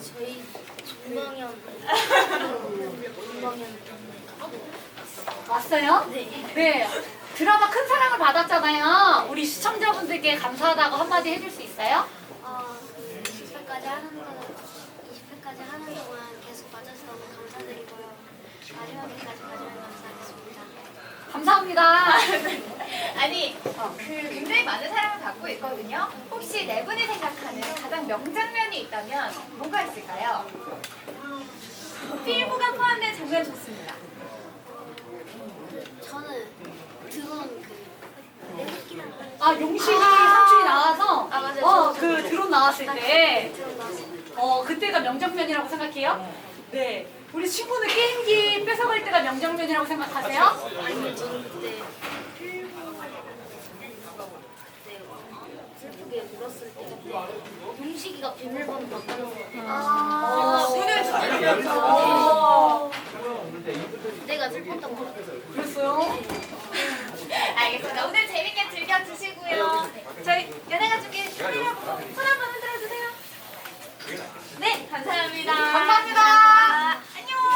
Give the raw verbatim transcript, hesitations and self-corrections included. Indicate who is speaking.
Speaker 1: 저희 준방현 준방현
Speaker 2: 왔어요?
Speaker 1: 네.
Speaker 2: 네. 드라마 큰 사랑을 받았잖아요. 우리 시청자분들께 감사하다고 한마디 해줄 수 있어요?
Speaker 1: 어, 이십 회까지 하는 거 이십 회까지 하는 동안 계속 봐줘서 너무 감사드리고요. 마지막 회까지 봐주면 감사하겠습니다.
Speaker 2: 감사합니다.
Speaker 3: 아니, 그 굉장히 많은 사랑을 받고 있거든요. 혹시 네 분이 생각하는 가장 명장면이 있다면 뭐가 있을까요? 필모가 포함된 장면 좋습니다.
Speaker 1: 저는 드론 그 내리기랑 하는
Speaker 2: 아, 용식이 삼촌이 나와서
Speaker 1: 아, 맞아요.
Speaker 2: 어,
Speaker 1: 저-
Speaker 2: 그
Speaker 1: 저-
Speaker 2: 드론 나왔을 때
Speaker 1: 드론 나왔을 때
Speaker 2: 어, 그때가 명장면이라고 생각해요? 네. 우리 친구는 게임기 뺏어갈 때가 명장면이라고 생각하세요?
Speaker 1: 아니면 저는 그때 필모 그때 슬프게 울었을 때 그때 용식이가 비밀번호 바꿔놓은
Speaker 2: 아,
Speaker 3: 손을
Speaker 2: 어,
Speaker 1: 내가 슬펐던 거 같아요.
Speaker 2: 그랬어요?
Speaker 3: 알겠습니다. 오늘 재밌게 즐겨주시고